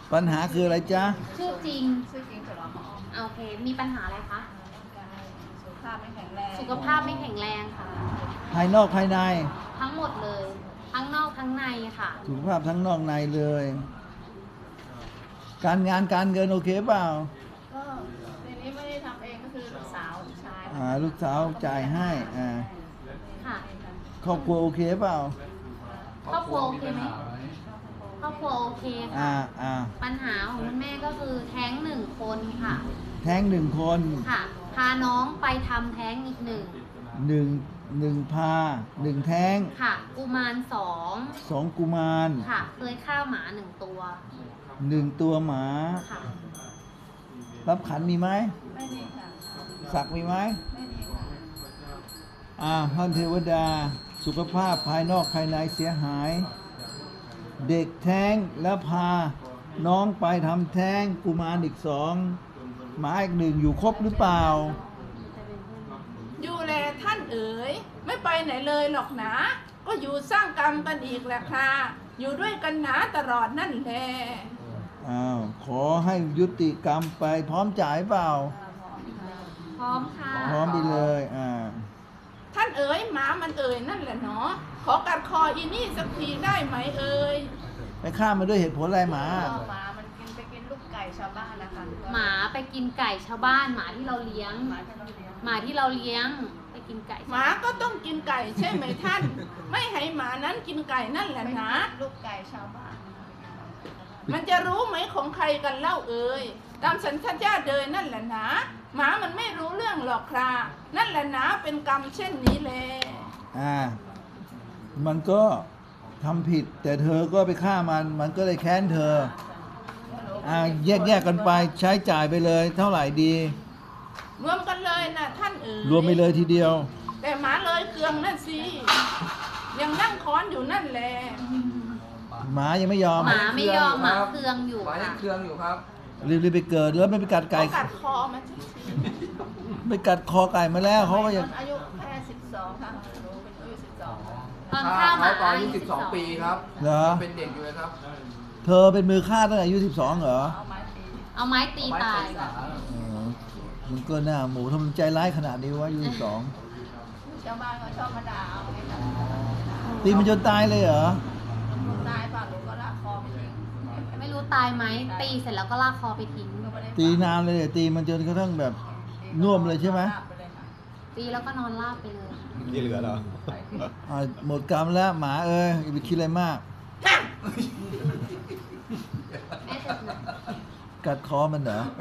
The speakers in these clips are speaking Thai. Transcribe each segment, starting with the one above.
ปัญหาคืออะไรจ๊ะชื่อจริงชื่อจริงสุรพรโอเค มีปัญหาอะไรคะสุขภาพไม่แข็งแรงสุขภาพไม่แข็งแรงค่ะภายนอกภายในทั้งหมดเลย ทั้งนอกทั้งในค่ะสุขภาพทั้งนอกในเลย การงานการเงินโอเคเปล่าก็ทีนี้ไม่ได้ทำเองก็คือลูกสาวลูกชายลูกสาวจ่ายให้ค่ะครอบครัวโอเคเปล่าครอบครัวโอเคไหมครอบครัวโอเคค่ะ ปัญหาของคุณแม่ก็คือแท้งหนึ่งคนค่ะแท้งหนึ่งคนค่ะ พาน้องไปทำแท้งอีกหนึ่งหนึ่งพาหนึ่งแท้งค่ะ กุมารสองสองกุมารค่ะ เคยฆ่าหมาหนึ่งตัวหนึ่งตัวหมาค่ะรับขันมีไหมไม่มีค่ะสักมีไหมไม่มีค่ะท่านเทวดา สุขภาพภายนอกภายในเสียหาย เด็กแท้งแล้วพาน้องไปทำแท้งกุมารอีกสองหมาอีกหนึ่งอยู่ครบหรือเปล่าอยู่แลท่านเอ๋ยไม่ไปไหนเลยหรอกนะ ก็อยู่สร้างกรรมกันอีกแหละค่ะอยู่ด้วยกันหนาตลอดนั่นแหละขอให้ยุติกรรมไปพร้อมจ่ายเปล่าพร้อมค่ะพร้อมไปเลยท่านเอ๋ยหมามันเอ๋ยนั่นแหละเนาะขอกัดคออีนี่สักทีได้ไหมเอ๋ยไปฆ่ามันด้วยเหตุผลอะไรหมาก็หมามันไปกินลูกไก่ชาวบ้านนะคะหมาไปกินไก่ชาวบ้าน หมาที่เราเลี้ยงหมาที่เราเลี้ยงหมาที่เราเลี้ยงไปกินไก่หมาก็ต้องกินไก่ใช่ไหมท่าน ไม่ให้หมานั้นกินไก่นั่นแหละไปนะกินลูกไก่ชาวบ้านมันจะรู้ไหมของใครกันเล่าเอ่ยตามสัญชาตญาณเดินนั่นแหละนะหมามันไม่รู้เรื่องหรอกครานั่นแหละนะเป็นกรรมเช่นนี้แลมันก็ทำผิด แต่เธอก็ไปฆ่ามันก็เลยแค้นเธอแยกกันไปใช้จ่ายไปเลย เท่าไหร่ดีรวมกันเลยนะท่านเอ๋ยรวมไปเลยทีเดียวแต่หมาเลยเคืองนั่นสิยังนั่งค้อนอยู่นั่นแหละหมายังไม่ยอมหมาไม่ยอมหมาเครืองอยู่หมายัค่ะงเครื่องอยู่ครับรีบไปเกิดแล้วไม่ไปกัดไก่เขากัดคอมันสิไปกัดคอไก่มาแล้วเขาก็ยังอายุแค่12ค่ะหนูเป็นอายุ12ค่ะตอนถ้าฆ่าหมาเขาตอนอายุ12 ปีครับเหรอเป็นเด็กอยู่เลยครับเธอเป็นมือฆ่าตั้งแต่อายุ12เหรอเอาไม้ตีเอาไม้ตีตายมันก็น่าหมูทำไมใจร้ายขนาดนี้วะอายุ12 ชาวบ้านก็ชอบมาด่าเอาไงค่ะตีมันจนตายเลยเหรอตายป่ะหนูก็ลากคอไปทิ้งไม่รู้ตายไหมตีเสร็จแล้วก็ลากคอไปทิ้งก็ไม่ได้ตีนานเลยตีมันจนกระทั่งแบบน่วมเลยใช่ไหมลากปเลยค่ะตีแล้วก็นอนราบไปเลยที่เหลือเหรอหมดกรรมแล้วหมาเอ้ยอย่าไปคิดอะไรมากแม่จะหนักกัดคอมันเหรอ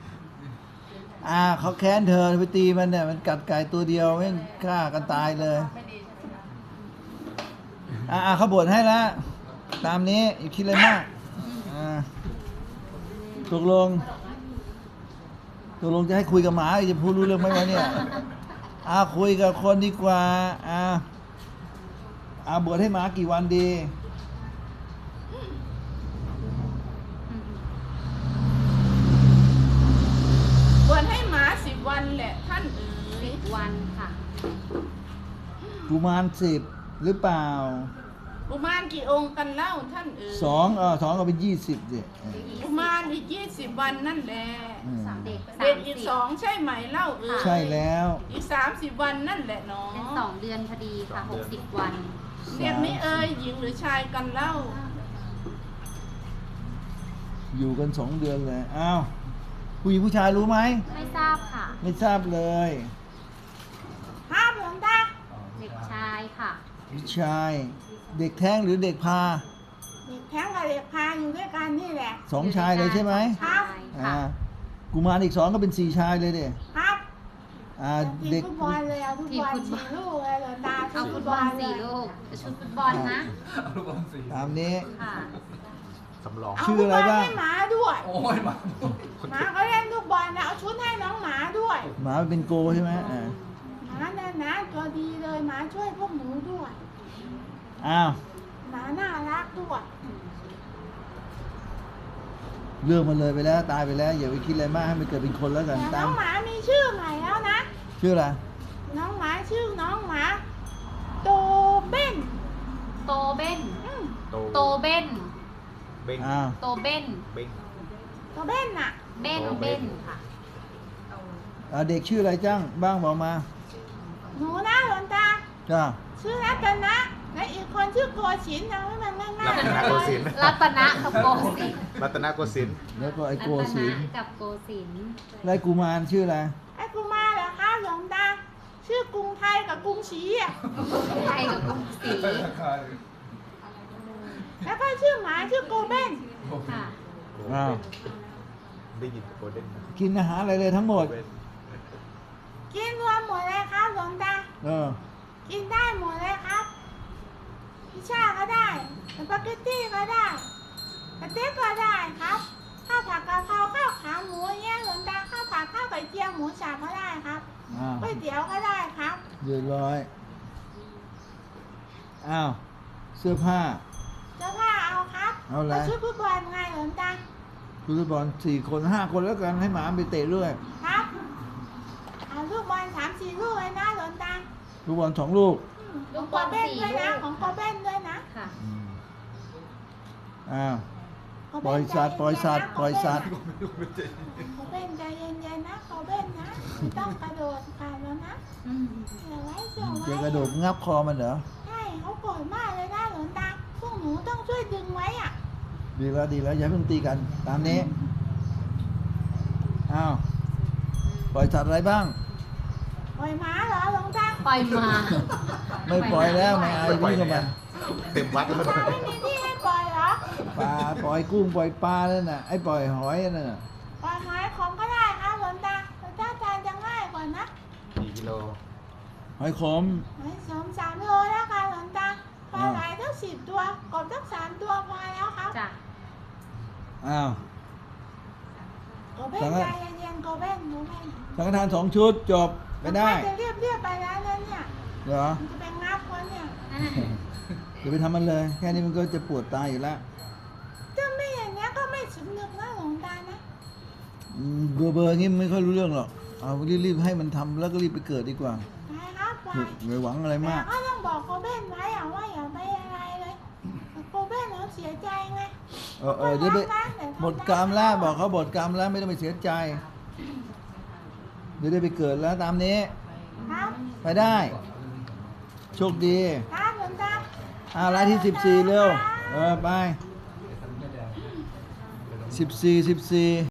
เขาแค้นเธอไปตีมันเนี่ยมันกัดไก่ตัวเดียวแม่งฆ่ากันตายเลยไม่ดีใช่ไหมคะเขาบวชให้แล้วตามนี้อย่าคิดอะไรมากตกลงจะให้คุยกับหมาหรือจะพูดรู้เรื่องไหมวะเนี่ยคุยกับคนดีกว่าบวชให้หมากี่วันดีบวชให้หมา10 วันแหละท่านเอ๋ยวันค่ะกุมาร10หรือเปล่ากุมารกี่องค์กันเล่าท่านเอ๋ยสองก็เป็น20ดิกุมารอีก20 วันนั่นแหละเด็กเด็กอีก2ใช่ไหมเล่าเอ๋ยใช่แล้วอีก30 วันนั่นแหละเนาะเป็น2 เดือนพอดีค่ะ 60 วันเด็กนี้เอ๋ยหญิงหรือชายกันเล่าอยู่กัน2 เดือนเลยผู้หญิงผู้ชายรู้ไหมไม่ทราบค่ะไม่ทราบเลยห้ามหลวงตาเด็กชายค่ะผู้ชายเด็กแท้งหรือเด็กพาเด็กแท้งกับเด็กพาอยู่ด้วยกันนี่แหละ 2 ชายเลยใช่ไหมครับค่ะกุมารอีก2ก็เป็น4 ชายเลยเด็ครับทีมเด็กฟุตบอลเลยเอาทุกบอลสี่ลูกเลยหลวงตาเอาฟุตบอล4 ลูกชุดฟุตบอลนะเอาลูกบอลสีตามนี้ค่ะสำรองเอาชื่อฟุตอะไรบอลบ้างให้หมาด้วยโอ้ยมาหมาก็เล่นลูกบอลนะเอาชุดให้น้องหมาด้วยหมาเป็นโกใช่ไหมหมาเนี่ยนะตัวดีเลยหมาช่วยพวกหนูด้วยอ้าวหมาน่ารักด้วยเรื่องมันเลยไปแล้วตายไปแล้วอย่าไปคิดอะไรมากให้มันเกิดเป็นคนแล้วกันแต่ตาน้มองหมามีชื่อใหม่แล้วนะชื่ออะไรน้องหมาชื่อน้องหมาโตเบ้นโตเบ้นอืมโตเบ้นเบ้งอ้าวโตเบ้นเบ้งตัวเบ้นน่ะเบ้นโตเบ้เบ้นนค่ะเด็กชื่ออะไรจ้างบ้างบอกมาหนูนะหลวงตาจ้าชื่อรัตนะและอีกคนชื่อโกศินทร์นะให้มันง่ายรัตนโกสินทร์รัตนะกับโกสินทร์รัตนโกสินทร์แล้วก็ไอ้โกรัตศินะนทร์กับโกสินทร์ไล่กุมารชื่ออะไรไอ้กูมาเหรอคะหลวงตา ชื่อกรุงไทยกับกรุงศรีอ่ะไทยกับกรุงศรีแล้วก็ชื่อหมาชื่อโกเบ้นค่ะอ้าวได้ยินโกลเด้นกินอาหารอะไรเลยทั้งหมดกินรวมหมดเลยครับหลวงตาเออกินได้หมดเลยครับพิซซ่าก็ได้สปาเกตตี้ก็ได้สเต็กก็ได้ครับข้าวผัดกะเพราข้าวขาหมูอย่างเงี้ยหลวงตาข้าวผัดข้าวไข่เจียวหมูสับก็ได้ครับอ้าวก๋วยเตี๋ยวก็ได้ครับเรียบร้อย อ้าว เสื้อผ้าเสื้อผ้าเอาครับเอาอะไรชุดฟุตบอลไงหลวงตาฟุตบอล4 คน 5 คนแล้วกันให้หมาไปเตะด้วยครับเอาลูกบอล3-4 ลูกเลยนะหลวงตาลูกบอล2 ลูกลูกโกบอลเบ้น 4 ด้วยนะลูกของโกเบ้นด้วยนะค่ะอ้าวโกเบ้นปล่อยสัตว์ใจปล่อยสัตว์เนๆนะปล่อยสัตว์โกเบ้นใจเย็นๆนะโกเบ้นนะไม่ต้องกระโดดขาดแล้วนะอืมเดี๋ยวไว้เดี๋ยวไว้จะกระโดดงับคอมันเหรอใช่เขาโกรธมากเลยนะหลวงตาพวกหนูต้องช่วยดึงไว้อ่ะดีแล้วดีแล้วอย่าเพิ่งตีกัน ตามนี้ อ้าว ปล่อยสัตว์อะไรบ้างปล่อยหมาเหรอหลวงตาปล่อยมาไม่ปล่อยแล้วไม่เอาไปปล่อยวิ่งไหนเข้ามาอะเต็มวัดแล้วตาไม่มีที่ให้ปล่อยเหรอปลาปล่อยกุ้งปล่อยปลาแล้วน่ะ ไอ้ปล่อยหอยนั่นน่ะปล่อยหอยของก็ได้ครับหลวงตาแต่ถ้าทานจะง่ายกว่านะกี่กิโลหอยขมหอย3 โลแล้วค่ะหลวงตาปลาไหลทั้ง10 ตัวกบทั้ง3 ตัวพอแล้วครับจ้ะอ้าวโกเบ้นใจเย็นๆโกเบ้นโกเบ้นสังฆทาน 2 ชุดจบไปได้จะเรียบไปแล้วนะเนี่ยเหรอมันจะไปงับคนเนี่ยอย่าไปทำมันเลย แค่นี้มันก็จะปวดตายอยู่แล้วถ้าไม่อย่างเงี้ยก็ไม่สำนึกนะหลวงตานะเบอร์งี้ไม่ค่อยรู้เรื่องหรอก เอารีบๆให้มันทำแล้วก็รีบไปเกิดดีกว่าไปครับไปไม่หวังอะไรแต่มากก็ต้องบอกโกเบ้นไว้อะว่าอย่าไปอะไรเลยโกเบ้นเขาเสียใจไงเดี๋ยวไปหมดกรรมแล้วบอกเขาหมดกรรมแล้วไม่ต้องไปเสียใจ เดี๋ยวได้ไปเกิดแล้วตามนี้ครับไปได้ โชคดีครับหลวงตารายที่ 14 เร็ว ไป 14